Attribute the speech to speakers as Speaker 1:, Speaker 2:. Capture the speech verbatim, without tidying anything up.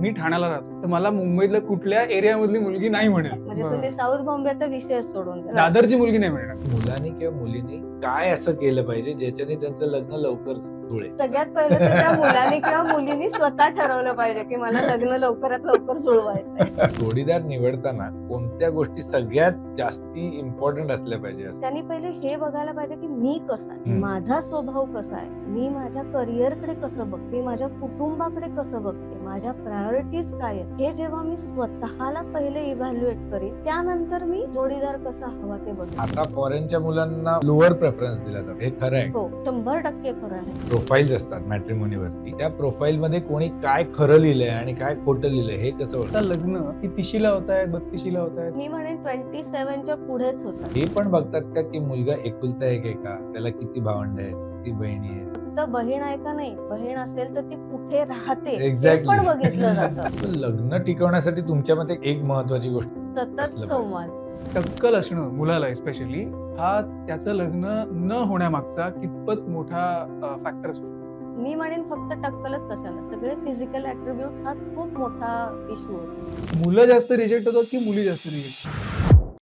Speaker 1: मी ठाण्याला राहतो, तर मला मुंबईतल्या कुठल्या एरियामधली मुलगी नाही मिळेल.
Speaker 2: म्हणजे तुम्ही साऊथ बॉम्बेचा विषय सोडून द्या.
Speaker 1: दादरची मुलगी नाही मिळणार.
Speaker 3: मुलांनी किंवा मुलींनी काय असं केलं पाहिजे ज्याच्याने त्यांचं लग्न लवकर जुळे?
Speaker 2: सगळ्यात पहिलं तर त्या मुलाने किंवा मुलीने स्वतः ठरवलं पाहिजे की मला लग्न लवकरात लवकर जुळवायचंय.
Speaker 3: जोडीदार निवडताना कोणत्या गोष्टी सगळ्यात जास्ती इम्पॉर्टंट असल्या पाहिजे असं?
Speaker 2: त्यांनी पहिले हे बघायला पाहिजे की मी कसा आहे,
Speaker 3: हम्म.
Speaker 2: माझा स्वभाव कसा आहे, मी माझ्या करिअरकडे कसं बघते, मी माझ्या कुटुंबाकडे कसं बघते, माझ्या प्रायोरिटीज काय आहेत, हे जेव्हा मी स्वतःला पहिले इव्हॅल्युएट करेन, त्यानंतर मी जोडीदार कसा हवा ते बघेन.
Speaker 3: आता फॉरेनच्या मुलांना लोअर प्रेफरन्स दिला जातो, हे खरं आहे.
Speaker 2: हो, शंभर टक्के खरं आहे.
Speaker 3: प्रोफाईल्स असतात मॅट्रिमोनीवरती, त्या प्रोफाईल मध्ये कोणी काय खरं लिहिलंय आणि काय खोटं लिहिलंय हे कसं
Speaker 1: आता
Speaker 3: ओळखतं?
Speaker 1: लग्न ती तिशीला होत आहेत, बत्तीशीला होत आहेत.
Speaker 2: मी म्हणेन ट्वेंटी सेव्हनच्या पुढेच होतं.
Speaker 3: हे पण बघतात का की मुलगा एकुलता एक आहे का, त्याला किती भावंड आहेत, किती बहिणी आहेत?
Speaker 2: फक्त बहीण आहे का नाही, बहीण असेल तर ती कुठे राहते हे
Speaker 3: Exactly.
Speaker 2: पण बघितलं जातं.
Speaker 3: पण लग्न टिकवण्यासाठी तुमच्या मते एक महत्वाची गोष्ट
Speaker 2: सतत
Speaker 3: असलं
Speaker 2: संवाद.
Speaker 1: टक्कल असणं मुलाला स्पेशली हा त्याचं लग्न न होण्यामागचा कितपत मोठा फॅक्टर असतो.
Speaker 2: मी म्हणेन फक्त टक्कलच कशाला, सगळे फिजिकल ऍट्रिब्यूट हा खूप मोठा इश्यू होतो.
Speaker 1: मुलं जास्त रिजेक्ट होतात की मुली जास्त रिजेक्ट?